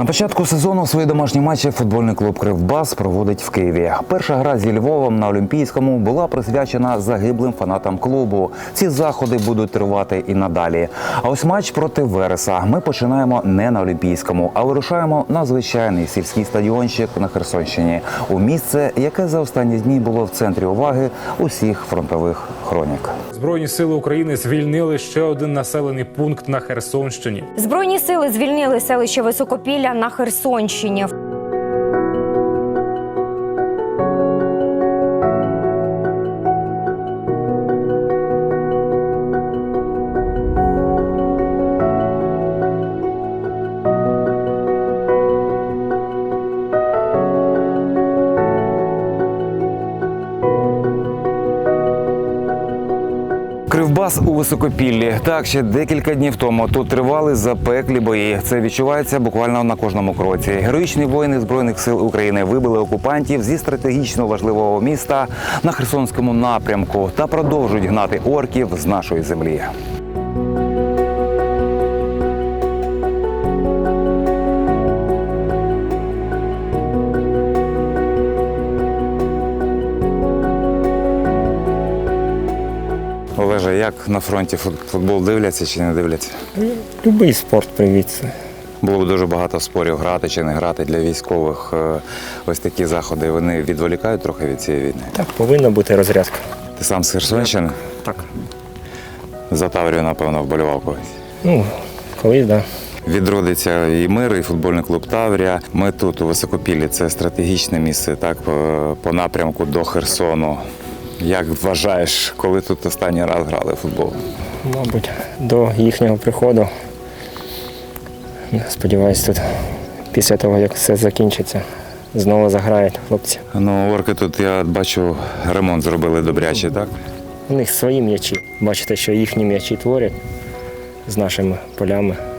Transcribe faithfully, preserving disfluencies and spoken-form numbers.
На початку сезону свої домашні матчі футбольний клуб «Кривбас» проводить в Києві. Перша гра зі Львовом на Олімпійському була присвячена загиблим фанатам клубу. Ці заходи будуть тривати і надалі. А ось матч проти Вереса ми починаємо не на Олімпійському, а вирушаємо на звичайний сільський стадіончик на Херсонщині. У місце, яке за останні дні було в центрі уваги усіх фронтових хронік. Збройні сили України звільнили ще один населений пункт на Херсонщині. Збройні сили звільнили селище Високопілля на Херсонщині. Кривбас у Високопіллі. Так, ще декілька днів тому тут тривали запеклі бої. Це відчувається буквально на кожному кроці. Героїчні воїни Збройних сил України вибили окупантів зі стратегічно важливого міста на Херсонському напрямку та продовжують гнати орків з нашої землі. Олеже, як на фронті футбол дивляться чи не дивляться? Любий спорт привітся. Було б дуже багато спорів, грати чи не грати для військових. Ось такі заходи, вони відволікають трохи від цієї війни? Так, повинна бути розрядка. Ти сам з Херсонщини? Так. За Таврію, напевно, вболівав когось? Ну, колись, так. Да. Відродиться і мир, і футбольний клуб «Таврія». Ми тут, у Високопіллі, це стратегічне місце, так, по, по напрямку до Херсону. Як вважаєш, коли тут останній раз грали в футбол? Мабуть, до їхнього приходу. Сподіваюсь, тут після того, як все закінчиться, знову заграють хлопці. Ну, орки тут, я бачу, ремонт зробили добряче, так? У них свої м'ячі. Бачите, що їхні м'ячі творять з нашими полями.